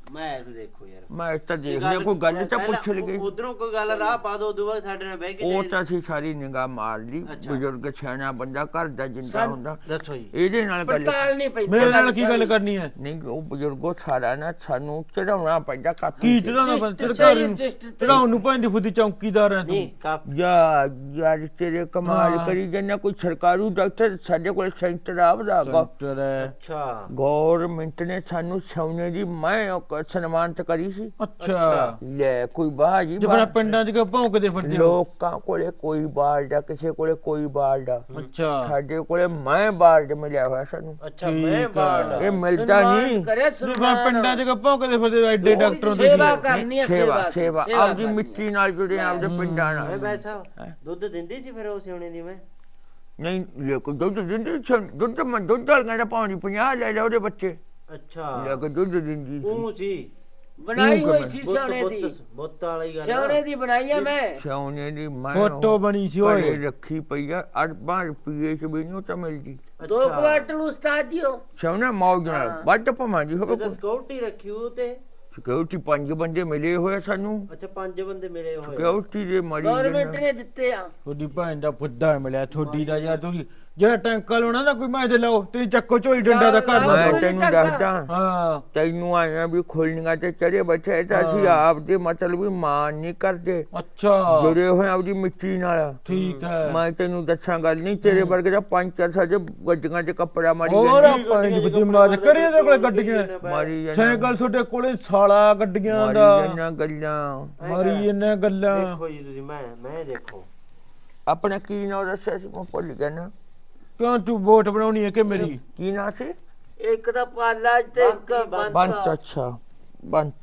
ਮੈਂ ਐਸ ਦੇਖੋ ਯਾਰ
ਮੈਂ ਤਾਂ ਦੇਖ ਲਿਆ ਕੋਈ ਗੱਲ ਤਾਂ ਪੁੱਛ ਲਈ
ਉਧਰੋਂ ਕੋਈ ਗੱਲ ਰਾਹ ਪਾ ਦੋ ਉਦੋਂ ਬਾਅਦ ਸਾਡੇ ਨਾਲ ਬਹਿ ਕੇ
ਉਹ ਤਾਂ ਅਸੀਂ ਸਾਰੀ ਨਿਗਾਹ ਮਾਰ ਲਈ ਬਜ਼ੁਰਗ ਸਿਆਣਾ ਬੰਦਾ ਘਰ ਦਾ ਜਿੰਦਾ ਹੁੰਦਾ
ਦੱਸੋ ਜੀ
ਇਹਦੇ ਨਾਲ ਗੱਲ
ਪੜਤਾਲ ਨਹੀਂ ਪੈਂਦੀ
ਮੇਰੇ ਨਾਲ ਕੀ ਗੱਲ ਕਰਨੀ ਹੈ
ਨਹੀਂ ਉਹ ਬਜ਼ੁਰਗੋ ਸਾਰਾ ਨਾ ਸਾਨੂੰ ਚੜਾਉਣਾ ਪੈਂਦਾ ਕਾਪੀ
ਕੀ
ਤੇ।
ਚੜਾਉਣਾ ਬੰਦ ਚੜਾਉਣ ਨੂੰ ਪੈਂਦੀ ਫੁੱਦੀ ਚੌਂਕੀਦਾਰ ਹੈ
ਨਹੀਂ
ਤੂੰ
ਕਾਪ
ਯਾ ਯਾਰ ਤੇਰੇ ਕਮਾਲ
ਹਾਂ।
ਕਰੀ ਜੰਨਾ ਕੋਈ ਸਰਕਾਰੂ ਡਾਕਟਰ ਸਾਡੇ ਕੋਲ ਸੈਂਟਰ ਆਵਦਾ
ਡਾਕਟਰ ਹੈ
ਅੱਛਾ
ਗੌਰਮਿੰਟ ਨੇ ਸਾਨੂੰ ਸੋਨੇ ਦੀ ਮੈਂ ਉਹ ਸਨਮਾਨਤ ਕਰੀ ਸੀ
ਅੱਛਾ
ਲੈ ਕੋਈ ਬਾਜੀ
ਜਿਵੇਂ ਪਿੰਡਾਂ 'ਚ ਕਿ ਭੌਂਕਦੇ ਫਿਰਦੇ ਹੋ
ਲੋਕਾਂ ਕੋਲੇ ਕੋਈ ਬਾਲਦਾ ਕਿਸੇ ਕੋਲੇ ਕੋਈ ਬਾਲਦਾ
ਅੱਛਾ
ਸਾਡੇ ਕੋਲੇ ਮੈਂ ਬਾਲਦ ਮਿਲਿਆ ਹੋਇਆ ਸਾਨੂੰ
ਅੱਛਾ ਮੈਂ ਬਾੜ
ਇਹ ਮਿਲਦਾ ਨਹੀਂ
ਕਰੇ
ਜਿਵੇਂ ਪਿੰਡਾਂ 'ਚ ਕਿ ਭੌਂਕਦੇ ਫਿਰਦੇ ਐਡੇ ਡਾਕਟਰ ਹੁੰਦੇ
ਸੇਵਾ
ਸੀ
ਕਰਨੀ ਹੈ
ਸੇਵਾ
ਸੇਵਾ
ਸੇਵਾ ਆਪਦੀ ਮਿੱਟੀ ਨਾਲ ਜੁੜੇ ਆਪਦੇ ਪਿੰਡਾਂ
ਮੈਂ
ਨਾਲ
ਬੈਠਾ ਦੁੱਧ ਦਿੰਦੀ ਸੀ ਫਿਰ ਉਹ ਸਿਉਣੇ ਦੀ ਮੈਂ
ਨਹੀਂ ਲੈ ਕੋ ਦੁੱਧ ਦਿੰਦੀ ਸੀ, ਦੁੱਧ ਮੈਂ ਦੁੱਧ ਵਾਲ ਕਹਿੰਦਾ ਪਾਉਣੀ ਪੰਜਾਹ ਲੈ ਲੈ ਉਹਦੇ ਬੱਚੇ
ਅੱਛਾ
ਲੈ ਕੇ ਦੁੱਧ ਦਿੰਦੀ ਸੀ
ਉਹ ਸੀ
ਬਣਾਈ ਹੋਈ ਸੀ ਸਿਆਣੇ ਦੀ
ਬੁੱਤ ਵਾਲੀ ਗੱਲ
ਸਿਆਣੇ ਦੀ ਬਣਾਈ ਆ ਮੈਂ
ਸੋਨੇ ਦੀ ਮੈਂ
ਫੋਟੋ ਬਣੀ ਸੀ
ਘਰੇ
ਓਏ
ਰੱਖੀ ਪਈ ਆ ਅਰਬਾਂ ਰੁਪਏ ਚ ਵੀ ਨਹੀਂ ਤਾਂ ਮਿਲਦੀ
ਦੋ ਕੁਆਟਲ ਉਸਤਾਦ ਜੀ ਹੋ
ਸੋਨਾ ਮੌਜ ਨਾਲ ਵੱਧ ਪਵਾਂ ਜੀ ਹੋਵੇ
ਉਹਦਾ ਸਕਿਉਰਟੀ ਰੱਖੀ ਉਹ ਤੇ
ਸਿਕਿਉਰਿਟੀ ਪੰਜ ਬੰਦੇ ਮਿਲੇ ਹੋਏ ਸਾਨੂੰ
ਅੱਛਾ ਪੰਜ ਬੰਦੇ ਮਿਲੇ ਹੋਏ
ਸਿਕਿਉਰਿਟੀ ਦੇ ਮਰੀ
ਗਵਰਨਮੈਂਟ ਨੇ ਦਿੱਤੇ ਆ
ਤੁਹਾਡੀ ਭੈਣ ਦਾ ਫੁੱਦਾ ਮਿਲਿਆ ਤੁਹਾਡੀ ਦਾ ਯਾਰ ਤੁਸੀਂ ਜਿਹੜਾ ਟੈਂਕਰ ਲਾਉਣਾ ਨਾ ਕੋਈ ਮੈਂ ਤੇ ਲਾਓ ਤੇ ਚੱਕੋ ਝੋਈ ਡੰਡਾ ਦਾ ਘਰ
ਮੈਂ
ਨੂੰ
ਤੈਨੂੰ ਦੱਸਦਾ
ਹਾਂ
ਤੈਨੂੰ ਆਇਆ ਵੀ ਖੋਲਣੀਆਂ ਤੇ ਚੜੇ ਬੈਠੇ ਤਾਂ ਅਸੀਂ ਆਪਦੇ ਮਤਲਬ ਵੀ ਮਾਨ ਨਹੀਂ ਕਰਦੇ
ਅੱਛਾ
ਜੁੜੇ ਹੋਏ ਆਪਦੀ ਮਿੱਟੀ ਨਾਲ
ਠੀਕ ਹੈ
ਮੈਂ ਤੈਨੂੰ ਦੱਸਾਂ ਗੱਲ ਨਹੀਂ ਤੇਰੇ ਵਰਗੇ ਦਾ ਪੰਜ ਚਾਰ ਸਾਡੇ ਗੱਡੀਆਂ 'ਚ ਕੱਪੜਾ ਮਾਰੀ
ਹੋਰ
ਜਾਂਦੀ
ਆਪਾਂ ਦੀ ਬੁੱਧੀ ਮਾਰ ਕਰੀ ਇਹਦੇ ਕੋਲੇ ਗੱਡੀਆਂ
ਮਾਰੀ ਜਾਂਦੀ
ਸਾਈਕਲ ਤੁਹਾਡੇ ਕੋਲੇ ਸਾਲਾ ਗੱਡੀਆਂ
ਮਾਰੀ
ਦਾ
ਜਾਂਦੀਆਂ ਗੱਲਾਂ
ਮਾਰੀ ਇਹਨੇ ਗੱਲਾਂ
ਦੇਖੋ ਜੀ ਤੁਸੀਂ ਮੈਂ ਮੈਂ ਦੇਖੋ
ਆਪਣਾ ਕੀ ਨਾਂ ਦੱਸਿਆ ਸੀ ਮੈਂ ਭੁੱਲ ਗਿਆ ਨਾ
ਕਿਉਂ ਤੂੰ ਵੋਟ ਬਣਾਉਣੀ ਹੈ ਕਿ ਮੇਰੀ
ਕੀ ਨਾਂ ਸੀ
ਇੱਕ ਤਾਂ ਪਾਲਾ ਤੇ ਇੱਕ
ਬੰਤ,
ਬੰਤ ਅੱਛਾ ਬੰਤ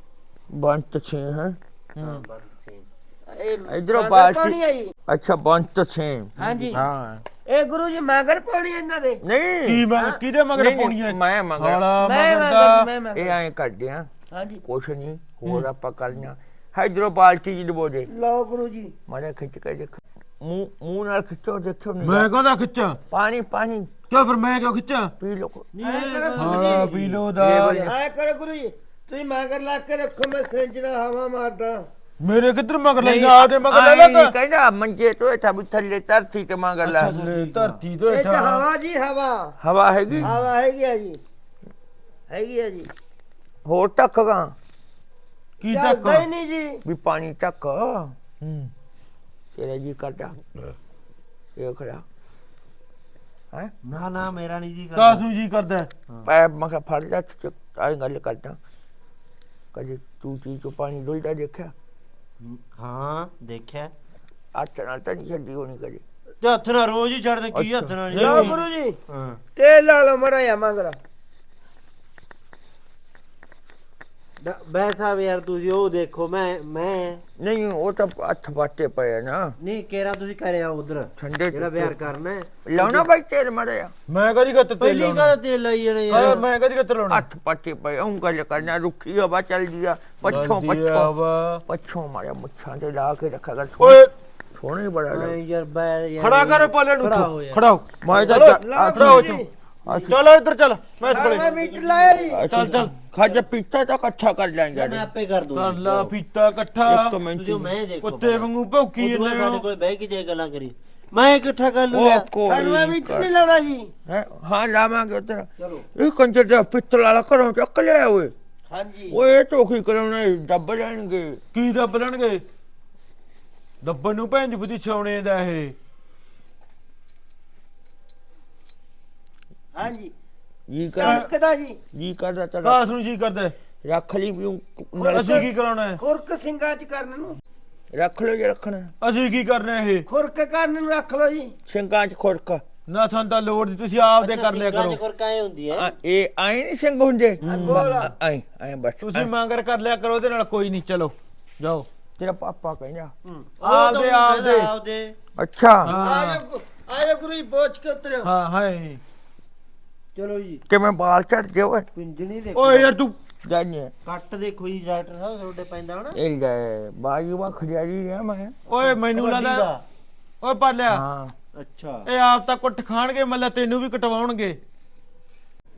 ਬੰਤ ਛੇ ਹੈ
ਹਾਂ ਬਸ same।
ਇਹ
ਇਧਰੋਂ
ਮਗਰ
ਪਾਰਟੀ
ਪਾਉਣੀ ਆ ਜੀ
ਅੱਛਾ ਬੰਤ ਛੇ
ਹਾਂਜੀ
ਹਾਂ
ਇਹ ਗੁਰੂ ਜੀ ਮਗਰ ਪਾਉਣੀ ਇਹਨਾਂ ਦੇ
ਨਹੀਂ
ਕੀ ਮੈਂ ਕਿਹਦੇ ਮਗਰ
ਨਹੀਂ,
ਪਾਉਣੀ ਹੈ
ਮੈਂ ਮਗਰ
ਸਾਲਾ
ਮੈਂ
ਮਗਰ
ਮਗਰ
ਦਾ
ਮੈਂ
ਇਹ
ਮਗਰ
ਐਂ ਕਰਦੇ ਆ
ਹਾਂਜੀ
ਕੁਛ ਨਹੀਂ ਹੋਰ ਆਪਾਂ ਕਰਨਾ ਇਧਰੋਂ ਬਾਲਟੀ ਜੀ ਡਬੋਦੇ
ਲਓ ਗੁਰੂ ਜੀ
ਮਾਰੇ ਖਿੱਚ ਕੇ ਦੇਖ ਮੂੰਹ ਮੂੰਹ ਨਾਲ ਖਿੱਚੋ ਦੇਖੋ ਨਹੀਂ
ਮੈਂ ਕਹਦਾ ਖਿੱਚਾਂ
ਪਾਣੀ ਪਾਣੀ
ਕਿਉਂ ਫਿਰ ਮੈਂ ਕਿਉਂ ਖਿੱਚਾਂ
ਪੀ ਲੋ
ਸਾਲਾ ਪੀ ਲੋ ਦਾ
ਆਏ ਕਰੋ ਗੁਰੂ ਜੀ ਤੁਸੀਂ ਮਗਰ ਲਾ ਕੇ ਰੱਖੋ ਮੈਂ ਸਿੰਜ ਨਾਲ ਹਵਾ ਮਾਰਦਾ
ਮੇਰੇ ਕਿੱਧਰ ਮਗਰ ਲੈਣਾ ਆ ਦੇ ਮਗਰ ਲੈ ਲਾ
ਕਹਿੰਦਾ ਮੰਜੇ ਤੋਂ ਹੇਠਾਂ ਵੀ ਥੱਲੇ ਧਰਤੀ ਤੇ ਮਗਰ ਲਾ
ਧਰਤੀ ਤੋਂ
ਇਹ ਤਾਂ
ਹੇਠਾਂ
ਹਵਾ ਜੀ ਹਵਾ
ਹਵਾ ਹੈਗੀ
ਹਵਾ ਹੈਗੀ ਆ ਜੀ ਹੈਗੀ ਆ ਜੀ
ਹੋਰ ਟੱਕਗਾ
ਕੀ ਤੱਕ
ਚੱਲਦਾ ਹੀ ਨਹੀਂ ਜੀ
ਵੀ ਪਾਣੀ ਟੱਕ
ਹੂੰ
ਤੇਰਾ ਜੀ ਕਰਦਾ ਇਹ ਖੜਾ ਹੈ
ਨਾ ਨਾ ਮੇਰਾ ਨਹੀਂ ਜੀ
ਕਾਸ ਨੂੰ ਜੀ ਕਰਦਾ ਹੈ?
ਪੈ ਮੈਂ ਕਿਹਾ ਫੜ ਲੈ ਆਈ ਗੱਲ ਕਰਦਾ ਕਦੇ ਤੂੰ ਚੀਜ਼ ਚੋਂ ਪਾਣੀ ਡੁੱਲਦਾ ਦੇਖਿਆ
ਹਾਂ ਦੇਖਿਆ
ਹੱਥ ਨਾਲ ਤਾਂ ਨਹੀਂ ਛੱਡੀ ਹੋਣੀ ਕਦੇ
ਤੇ ਹੱਥ ਨਾਲ ਰੋਜ਼ ਹੀ ਛੱਡਦੇ ਕੀ ਹੱਥ ਨਾਲ
ਲਓ
ਨਹੀਂ
ਗੁਰੂ ਜੀ
ਹਾਂ
ਤੇਲ ਲਾ ਲਓ ਮੜਾ ਜਾ ਮਗਰ
ਬੈ ਸਾਹਿਬ ਯਾਰ ਤੁਸੀਂ ਉਹ ਦੇਖੋ ਮੈਂ ਮੈਂ
ਨਹੀਂ ਉਹ ਤਾਂ ਹੱਥ ਬਾਟੇ ਪਏ ਆ ਨਾ
ਨਹੀਂ ਕੇਰਾ ਤੁਸੀਂ ਕਰਿਆ ਉਧਰ
ਠੰਡੇ
ਜਿਹੜਾ ਵਿਆਹ ਕਰਨਾ ਹੈ
ਲਾਉਣਾ ਬਾਈ ਤੇਲ ਮੜਿਆ
ਮੈਂ ਕਦੀ ਗੱਤ ਤੇ
ਪਹਿਲੀ
ਲਾਉਣਾ
ਕਾ ਤੇਲ ਲਾਈ ਜਾਣੇ
ਹਾਂ
ਯਾਰ
ਮੈਂ ਕਦੀ ਗੱਤ ਲਾਉਣਾ
ਹੱਥ ਪਾਟੇ ਪਏ ਉਹ ਗੱਲ ਕਰਨਾ ਰੁੱਖੀ ਹਵਾ ਚੱਲਦੀ ਆ ਪੱਛੋਂ
ਜਲਦੀ
ਪੱਛੋਂ
ਆਵਾ।
ਪੱਛੋਂ ਮਾਰਿਆ ਮੁੱਛਾਂ ਤੇ ਲਾ ਕੇ ਰੱਖਿਆ ਕਰ
ਓਏ
ਸੋਹਣੇ ਬੜਾ
ਮੈਂ
ਲੱਗਦਾ
ਯਾਰ ਬੈ ਯਾਰ
ਖੜਾ ਕਰ ਪਾਲੇ ਨੂੰ
ਖੜਾ ਹੋ ਯਾਰ।
ਖੜਾ ਹੋ
ਮੈਂ ਤਾਂ
ਚਲੋ,
ਚੱਲ-
ਖੜਾ ਹੋ ਤੂੰ ਚੱਲ ਇੱਧਰ ਚੱਲ ਮੈਂ ਇਸ
ਮੈਂ
ਕੋਲੇ
ਮੀਟ ਲਾਇਆ ਜੀ
ਚੱਲ ਚੱਲ ਖਾਜਾ ਪੀਤਾ ਤਾਂ ਇਕੱਠਾ ਕਰ ਲਾਂਗੇ
ਮੈਂ ਆਪੇ ਕਰ ਦੂੰ
ਕਰ ਲਾ ਪੀਤਾ ਇਕੱਠਾ
ਇੱਕ ਮਿੰਟ
ਤੁਸੀਂ ਮੈਂ ਦੇਖੋ
ਕੁੱਤੇ ਵਾਂਗੂ ਭੌਂਕੀ
ਉਦੋਂ ਬਾਅਦ
ਜਾਂਦੇ
ਸਾਡੇ
ਹੋ
ਕੋਲ ਬਹਿ ਕੇ ਜੇ ਗੱਲਾਂ ਕਰੀ ਮੈਂ ਇਕੱਠਾ ਕਰ
ਉਹ
ਲੂੰਗਾ
ਕਰਵਾ
ਕੋਈ
ਮੀਟ ਨਹੀਂ ਲਾਉਣਾ ਜੀ
ਹੈ ਹਾਂ ਲਾਵਾਂਗੇ ਉਧਰ
ਚਲੋ
ਇਹ ਕੰਜਰ ਦਾ ਪਿੱਤਲ ਵਾਲਾ ਘਰੋਂ ਚੱਕ ਲਿਆ ਓਏ
ਹਾਂਜੀ
ਓਏ ਇਹ ਧੋਖੀ ਕਰਾਉਣਾ ਡੱਬ ਜਾਣਗੇ
ਕੀ ਦੱਬ ਲੈਣਗੇ ਦੱਬਣ ਨੂੰ ਭੈਣ ਦੀ ਬੁੱਧੀ ਛਾਉਣੇ ਦਾ ਇਹ
ਹਾਂਜੀ
ਜੀ ਕਰ
ਕਦਾ ਜੀ
ਜੀ ਕਰਦਾ ਤਾਂ
ਕਾਸ ਨੂੰ ਜੀ ਕਰਦਾ ਹੈ?
ਰੱਖ ਲਈ ਵੀ
ਅਸੀਂ ਕੀ ਕਰਾਉਣਾ ਹੈ
ਖੁਰਕ ਸਿੰਘਾਂ ਚ ਕਰਨ ਨੂੰ
ਰੱਖ ਲੋ ਜੇ ਰੱਖਣਾ
ਅਸੀਂ ਕੀ ਕਰਨਾ ਇਹ
ਖੁਰਕ ਕਰਨ ਨੂੰ ਰੱਖ ਲਓ ਜੀ
ਸਿੰਘਾਂ ਚ ਖੁਰਕ
ਨਾ ਸਾਨੂੰ ਤਾਂ ਲੋੜ ਦੀ ਤੁਸੀਂ ਆਪ ਦੇ ਕਰ ਲਿਆ ਕਰੋ
ਕਰ ਕਾਏ ਹੁੰਦੀ ਹੈ
ਆ, ਇਹ ਆਏ ਨਹੀਂ ਸਿੰਘ ਹੁੰਦੇ
ਗੋਲ।
ਆਏ ਆਏ ਬਸ
ਤੁਸੀਂ ਮੰਗਰ ਕਰ ਲਿਆ ਕਰੋ ਉਹਦੇ ਨਾਲ ਕੋਈ ਨਹੀਂ ਚਲੋ ਜਾਓ
ਤੇਰਾ ਪਾਪਾ ਕਹਿੰਦਾ
ਆਪਦੇ ਆਪਦੇ
ਆਪਦੇ
ਅੱਛਾ
ਹਾਂ
ਆਜੋ ਆਜੋ ਗੁਰੂ ਜੀ ਬੋਝ ਕੇ ਉਤਰਿਓ
ਹਾਂ ਹਾਏ
ਚਲੋ ਜੀ
ਕਿਵੇਂ ਬਾਲ ਝੜ ਗਏ ਓਏ
ਪਿੰਜਣੀ ਦੇਖੋ
ਓਏ ਯਾਰ ਤੂੰ
ਜਾਨੇ
ਕੱਟ ਦੇਖੋ ਜੀ ਡਾਕਟਰ ਸਾਹਿਬ ਤੁਹਾਡੇ ਪੈਂਦਾ ਹਨਾ
ਇਹ ਲੈ ਬਾਜੀ ਵਾ ਖੜਿਆਰੀ ਆ ਮੈਂ
ਓਏ ਮੈਨੂੰ ਲੱਗਦਾ ਓਏ ਪਾਲਿਆ
ਹਾਂ
ਅੱਛਾ
ਇਹ ਆਪ ਤਾਂ ਕੁੱਟ ਖਾਣਗੇ ਮੱਲਾ ਤੈਨੂੰ ਵੀ ਕਟਵਾਉਣਗੇ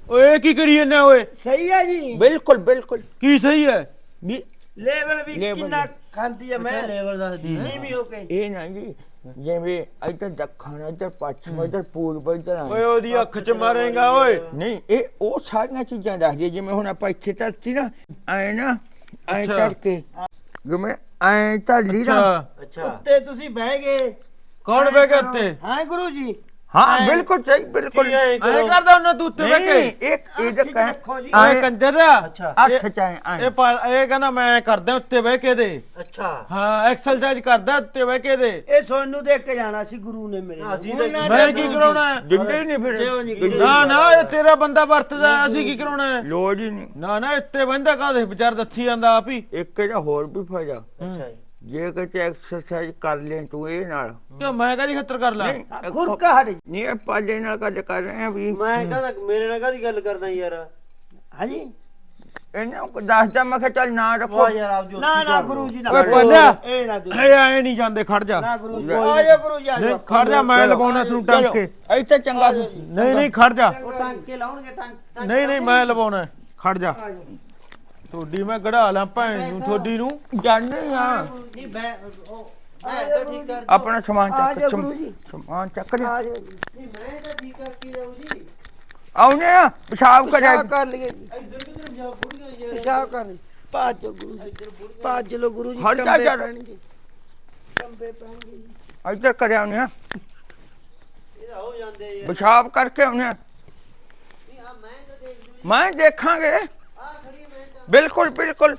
ਓਏ ਕੀ ਕਰੀ ਜੰਨੇ ਓਏ
ਸਹੀ ਹੈ ਜੀ
ਬਿਲਕੁਲ ਬਿਲकुल
ਕੀ ਸਹੀ ਹੈ
ਵੀ
ਲੈਵਲ ਵੀ
Level
ਕਿੰਨਾ ਖਾਂਦੀ ਹੈ ਮੈਂ
ਲੇਵਲ ਦੱਸਦੀ ਹੈ
ਨੀਵੀਂ ਹੋ ਕੇ
ਇਹ ਨਾ ਜੀ ਜਿਵੇਂ ਇੱਧਰ ਦੱਖਣ ਇੱਧਰ ਪੱਛਮ ਇੱਧਰ ਪੂਰਬ ਇੱਧਰ
ਓਏ
ਆਏ
ਉਹਦੀ ਅੱਖ 'ਚ ਮਾਰੇਗਾ ਓਏ
ਨਹੀਂ ਇਹ ਉਹ ਸਾਰੀਆਂ ਚੀਜ਼ਾਂ ਦੱਸਦੀ ਜਿਵੇਂ ਹੁਣ ਆਪਾਂ ਇੱਥੇ ਧਰਤੀ ਨਾ ਐ ਨਾ ਐ
ਅੱਛਾ।
ਕਰਕੇ ਜਿਵੇਂ ਐ ਧਰਲੀ ਨਾ
ਅੱਛਾ
ਅੱਛਾ
ਉੱਤੇ ਤੁਸੀਂ ਬਹਿ ਗਏ
ਕੌਣ ਬਹਿ ਗਿਆ ਉੱਤੇ
ਹਾਂ ਗੁਰੂ ਜੀ
ਹਾਂ ਬਿਲਕੁਲ ਸਹੀ ਬਿਲकुल
ਕੀ ਐਂ
ਐ
ਕਰੋ?
ਕਰਦਾ ਉਹਨਾਂ ਤੂੰ ਉੱਤੇ ਬਹਿ
ਨਹੀਂ
ਕੇ
ਇੱਕ ਇਹਦਾ
ਅੱਖ 'ਚ ਰੱਖੋ ਜੀ।
ਓਏ
ਐ
ਕੰਜਰ
ਅੱਛਾ
ਅੱਖ ਚ ਐ
ਇਹ ਪਾ- ਇਹ ਕਹਿੰਦਾ ਮੈਂ ਕਰਦਾ ਉੱਤੇ ਬਹਿ ਕੇ ਦੇ
ਅੱਛਾ
ਹਾਂ ਐਕਸਰਸਾਈਜ਼ ਕਰਦਾ ਉੱਤੇ ਬਹਿ ਕੇ ਦੇ
ਇਹ ਸੋਨੂੰ ਦੇਖ ਕੇ ਜਾਣਾ ਸੀ ਗੁਰੂ ਨੇ ਮੇਰੇ
ਹਾਂ, ਅਸੀਂ
ਹੁਣ
ਤਾਂ
ਨਾ
ਮੈਂ
ਜਾਣਾ
ਕੀ
ਜੀ।
ਕਰਾਉਣਾ ਹੈ?
ਜਿੰਦੇ ਹੀ ਨਹੀਂ
ਜਿਉਂ ਨਹੀਂ
ਫਿਰ
ਗੁਰੂ।
ਨਾ ਨਾ ਇਹ ਤੇਰਾ ਬੰਦਾ ਵਰਤਦਾ ਅਸੀਂ ਕੀ ਕਰਾਉਣਾ ਹੈ?
ਲੋੜ ਹੀ ਨਹੀਂ
ਨਾ ਨਾ ਇੱਥੇ ਬੰਦਾ ਕਾਹਦੇ ਵਿਚਾਰ ਦੱਸੀ ਜਾਂਦਾ ਆਪ ਹੀ
ਇੱਕ ਇਹਦਾ ਹੋਰ ਵੀ ਫਾਇਦਾ
ਅੱਛਾ ਜੀ
ਜੇ ਕਿਤੇ ਐਕਸਰਸਾਈਜ਼ ਕਰ ਲੈ ਤੂੰ ਇਹ ਨਾਲ
ਕਿਉਂ ਮੈਂ ਕਾਹਦੀ ਖੱਤਰ ਕਰ ਲਾਂ
ਨਹੀਂ
ਖੁਰਕਾ ਹਟ ਜੀ।
ਨਹੀਂ ਇਹ ਪਾਲੇ ਨਾਲ ਗੱਲ ਕਰ ਰਹੇ ਆ ਵੀ
ਮੈਂ ਕਹਦਾ ਮੇਰੇ ਨਾਲ ਕਾਹਦੀ ਗੱਲ ਕਰਦਾ ਯਾਰ
ਹਾਂਜੀ
ਇਹਨਾਂ ਨੂੰ ਦੱਸਦਾ ਮੈਂ ਕਿਹਾ ਚੱਲ ਨਾ ਰੱਖੋ
ਵਾਹ ਯਾਰ ਆਪ ਜੋ
ਨਾ ਨਾ ਗੁਰੂ ਜੀ ਨਾ
ਓਏ ਪਾਲਿਆ
ਇਹ ਨਾ ਗੁਰੂ
ਇਹ ਐ ਨਹੀਂ ਜਾਂਦੇ ਖੜ ਜਾ
ਨਾ ਗੁਰੂ ਜੀ ਆਇਓ ਗੁਰੂ ਜੀ
ਨਹੀਂ
ਆਇਓ
ਖੜ ਜਾ ਮੈਂ ਲਵਾਉਣਾ ਤੈਨੂੰ
ਚਲੋ,
ਟਾਂਕੇ
ਇੱਥੇ ਚੰਗਾ
ਨਹੀਂ ਨਹੀਂ ਖੜ ਜਾ
ਉਹ ਟਾਂਕੇ ਲਾਉਣਗੇ ਟਾਂਕੇ
ਨਹੀਂ ਨਹੀਂ ਮੈਂ ਲਵਾਉਣਾ ਖੜ ਜਾ ਤੁਹਾਡੀ ਮੈਂ ਗੜਾ ਲਾਂ ਭੈਣ ਨੂੰ ਤੁਹਾਡੀ ਨੂੰ
ਜਾਣੇ ਆ
ਨਹੀਂ ਮੈਂ ਉਹ ਮੈਂ ਤਾਂ ਠੀਕ ਕਰ
ਆਪਣਾ ਸਮਾਨ
ਆ
ਚੱਕ
ਜਾਓ
ਸਮ-
ਗੁਰੂ ਜੀ।
ਸਮਾਨ ਚੱਕ ਲਿਆ
ਆ ਜਾਓ ਜੀ
ਨਹੀਂ ਮੈਂ ਤਾਂ ਠੀਕ ਕਰਕੇ ਜਾਉਂ ਜੀ
ਆਉਨੇ ਆ ਪਿਸ਼ਾਬ ਕਰਿਆ
ਪਿਸ਼ਾਬ ਕਰ ਲਈਏ ਜੀ
ਇੱਧਰ ਕਿਧਰ ਜਾ ਬੁੜੀਆਂ ਯਾਰ
ਪਿਸ਼ਾਬ ਕਰ ਲਈ ਪਾਜ ਜੋ ਗੁਰੂ ਜੀ ਪਾਜ ਲੋ ਗੁਰੂ ਜੀ
ਹਟ ਜਾ
ਕੰਬੇ
ਯਾਰ।
ਪੈਣਗੇ ਕੰਬੇ ਪੈਣਗੇ ਜੀ।
ਇੱਧਰ ਕਰਿਆ ਆਉਨੇ ਆ
ਇਹਦਾ ਹੋ ਜਾਂਦੇ ਯਾਰ
ਪਿਸ਼ਾਬ ਕਰਕੇ ਆਉਨੇ ਆ
ਨਹੀਂ ਆ ਮੈਂ ਤਾਂ ਦੇਖ ਜੂ
ਮੈਂ ਦੇਖਾਂਗੇ
ਆ ਖੜੀ ਹੈ ਮੈਂ ਤਾਂ
ਬਿਲਕੁਲ ਬਿਲकुल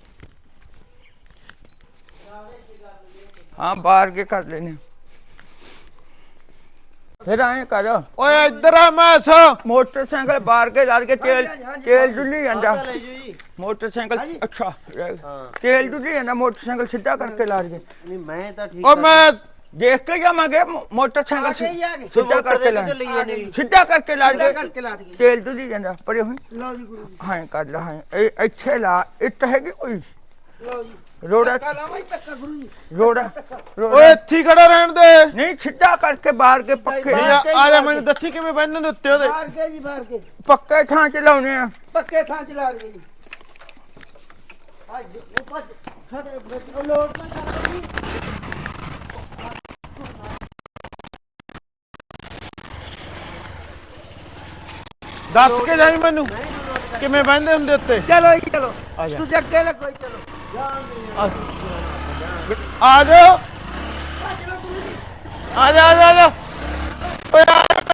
हाँ बाहर के कर लेने फिर आए कर
ਓਏ ਇੱਧਰ ਆ ਮੈਸ
मोटरसाइकिल बाहर के ला के तेल तेल डुली जाता
ਆ ਲੈ ਜੂ ਜੀ
मोटरसाइकिल अच्छा
ਹਾਂ
तेल डुली जाता मोटरसाइकिल सीधा करके ला के
ਨਹੀਂ ਮੈਂ ਤਾਂ ਠੀਕ
ਓ ਮੈਂ
देख के जावांगे मोटरसाइकिल
आगे ही आगे।
सीधा करके ला
किधर लिए नहीं
सीधा करके ला
ਸਿੱਧਾ
के
ਕਰਕੇ ਲਾ ਦਈਏ
तेल डुली जाता परे हुई
ਲਓ ਜੀ ਗੁਰੂ ਜੀ
हाँ कर ला हाँ अच्छे ला इट हैगी कोई
ਲਓ ਜੀ
रोड़ा
ਧੱਕਾ ਲਾਵਾਂ ਜੀ ਧੱਕਾ ਗੁਰੂ ਜੀ
रोड़ा
ਓਏ
रोड़ा
ਇੱਥੇ ਹੀ ਖੜਾ ਰਹਿਣ ਦੇ
नहीं सीधा करके बाहर के पक्के
ਨਹੀਂ, ਆ ਆ ਜਾ ਮੈਨੂੰ ਦੱਸੀ ਕਿਵੇਂ ਬੰਨਣ ਦੇ ਉੱਤੇ ਉਹਦੇ
ਬਾਹਰ ਕੇ ਜੀ ਬਾਹਰ ਕੇ
पक्के थां च लाउने आ
ਪੱਕੇ ਥਾਂ ਚ ਲਾ ਦਈਏ ਜੀ ਅੱਜ ਉਹ ਭੱਜ ਸਾਡੇ ਵਿੱਚ ਉਹ ਲੋਟ ਨਾ ਕਰ ਜੀ
ਦੱਸ ਕੇ ਜਾਈ ਮੈਨੂੰ ਕਿਵੇਂ ਬੰਨਦੇ ਹੁੰਦੇ ਉੱਤੇ
ਚਲੋ ਜੀ ਚਲੋ
ਆ ਜਾ।
ਤੁਸੀਂ ਅੱਗੇ ਲੱਗੋ ਜੀ, ਚਲੋ
ਆ ਜਾਓ ਆ ਜਾ ਆ ਜਾ ਆ ਜਾ ਓਏ ਆ ਜਾ।